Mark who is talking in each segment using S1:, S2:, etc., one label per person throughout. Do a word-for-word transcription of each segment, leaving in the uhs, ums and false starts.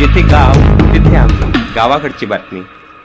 S1: जिथे गाव तिथे आम्ही, गावाकडची बातमी.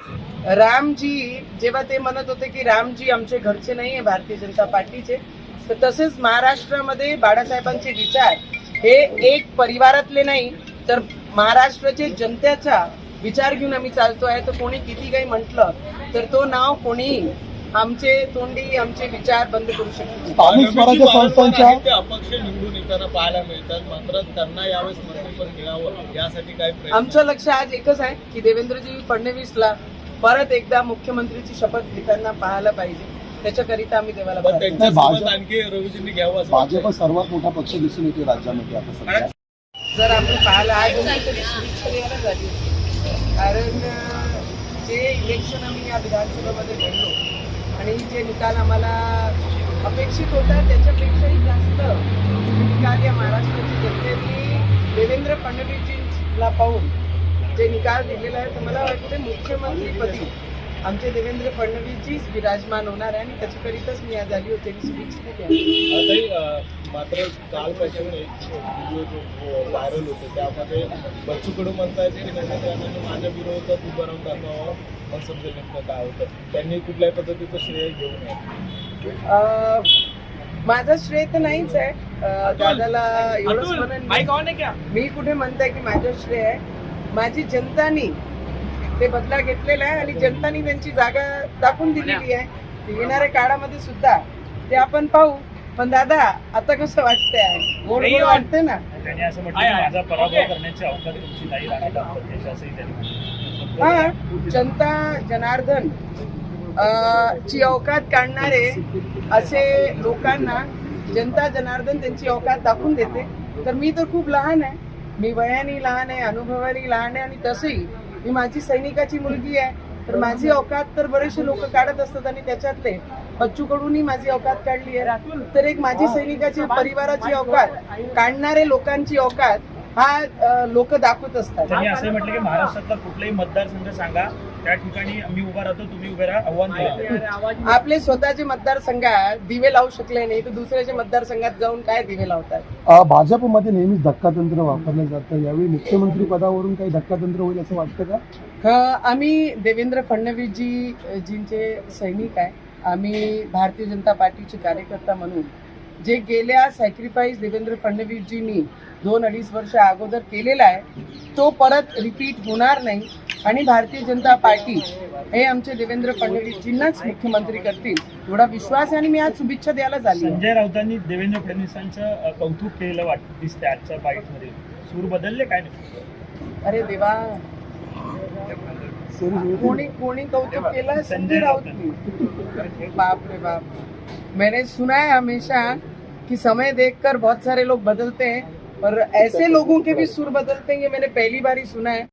S2: रामजी जेव्हा ते म्हणत होते की रामजी आमचे घरचे नाही आहे भारतीय जनता पार्टीचे, तर तसेच महाराष्ट्रामध्ये बाळासाहेबांचे विचार हे एक परिवारातले नाही तर महाराष्ट्राचे जनतेचा विचार घेऊन आम्ही चालतोय. तर कोणी किती काही म्हटलं तर तो नाव कोणी आमचे तोंडी आमचे विचार बंद करू शकतो.
S3: स्थानिक स्वराज्य संस्थांच्या
S4: अपक्ष निवडून येताना पाहायला मिळतात, मात्र त्यांना यावेळेस मंत्रिपद मिळावं यासाठी काय प्रयत्न?
S2: आमचं लक्ष आज एकच आहे की देवेंद्रजी फडणवीसला परत एकदा मुख्यमंत्रीची शपथ घेताना पाहायला पाहिजे. त्याच्याकरिता आम्ही देवाला
S4: पण
S2: प्रार्थना
S4: त्यांच्यासोबत आणखी रवीजींनी घ्यावं असं
S3: भाजप सर्वात मोठा पक्ष दिसून येतो राज्यामध्ये आता सध्या.
S2: जर आपण पाहायला आज तरी शुभेच्छा द्यायला झाली होती. कारण अं, जे इलेक्शन आम्ही या विधानसभेमध्ये लढलो आणि जे निकाल आम्हाला अपेक्षित होता त्याच्यापेक्षाही जास्त निकाल या महाराष्ट्राची जनतेने देवेंद्र फडणवीसजींना पाहून जे निकाल दिलेला आहे तर मला वाटतं मुख्यमंत्रीपदी आमचे देवेंद्र फडणवीसजीच विराजमान होणार आहे आणि त्याच्याकरिताच मी आज आली होते शुभेच्छा द्यावी.
S4: आताही अं, मात्र कालपासून एक व्हिडिओ जो व्हायरल होतो त्यामध्ये बच्चू कडू म्हणतात की नेत्यांनी माझ्या विरोधात उभं राहून दाखवावं, मग समजेल नेमकं काय होतं. त्यांनी कुठल्याही पद्धतीचं श्रेय घेऊ नये.
S2: अं, माझं श्रेय तर नाहीच आहे. अं, दादाला एवढंच म्हणेन मी कुठे म्हणताय की माझं श्रेय आहे. माझी जनतानी ते बदला घेतलेला आहे आणि जनतानी त्यांची जागा दाखवून दिलेली आहे. येणाऱ्या काळामध्ये सुद्धा ते आपण पाहू. पण दादा आता कसं वाटतंय? गोड गोड वाटतंय ना.
S5: त्यांनी असं म्हटलं की माझा पराभव करण्याची अवकाश तुमची नाही राणी दाम्पत्याची असंही त्यांनी.
S2: हा, जनता जनार्दन अं, ची अवकात काढणारे असे लोकांना जनता जनार्दन त्यांची अवकात दाखवून देते. तर मी तर खूप लहान आहे, मी वयाने लहान आहे, अनुभवाने लहान आहे आणि तसंही मी माझी सैनिकाची मुलगी आहे. तर माझी अवकात तर बरेचसे लोक काढत असतात आणि त्याच्यातले बच्चू कडूंनी माझी अवकात काढली आहे. तर एक माझी सैनिकाची परिवाराची अवकात काढणारे लोकांची अवकात हा लोक दाखवत असतात.
S5: त्यांनी असं म्हटलं की महाराष्ट्रातला कुठलाही मतदारसंघ सांगा त्या ठिकाणी मी उभा राहतो, तुम्ही उभे राहा, आव्हान दिलं.
S2: आपले स्वतःचे मतदारसंघात दिवे लावू शकले नाही तर दुसऱ्याच्या मतदारसंघात जाऊन काय दिवे लावतात?
S3: अ, भाजपमध्ये नेहमीच धक्कातंत्र वापरलं जातं. यावेळी मुख्यमंत्री पदावरून काही धक्कातंत्र होईल असं वाटतं का?
S2: हा, आम्ही देवेंद्र फडणवीसजी जींचे सैनिक आहे. आम्ही भारतीय जनता पार्टीचे कार्यकर्ता म्हणून जे गेल्या सॅक्रिफाईस देवेंद्र फडणवीसजींनी दोन अडीच वर्ष अगोदर केलेला आहे तो परत रिपीट होणार नाही आणि भारतीय जनता पार्टी हे आमचे देवेंद्र फडणवीसजींनाच मुख्यमंत्री करतील एवढा विश्वास आहे आणि मी आज शुभेच्छा द्यायला झाली.
S5: संजय राऊतांनी देवेंद्र फडणवीसांचं कौतुक केलेलं वाटत दिसते आजच्या बाईटमध्ये. सूर बदलले काय नाही?
S2: अरे देवा, कोणी कोणी कौतुक केलं? संजय राऊत. बाप रे बाप, मैंने सुना है हमेशा कि समय देखकर बहुत सारे लोग बदलते हैं पर ऐसे लोगों के भी सुर बदलते हैं ये मैंने पहली बार ही सुना है.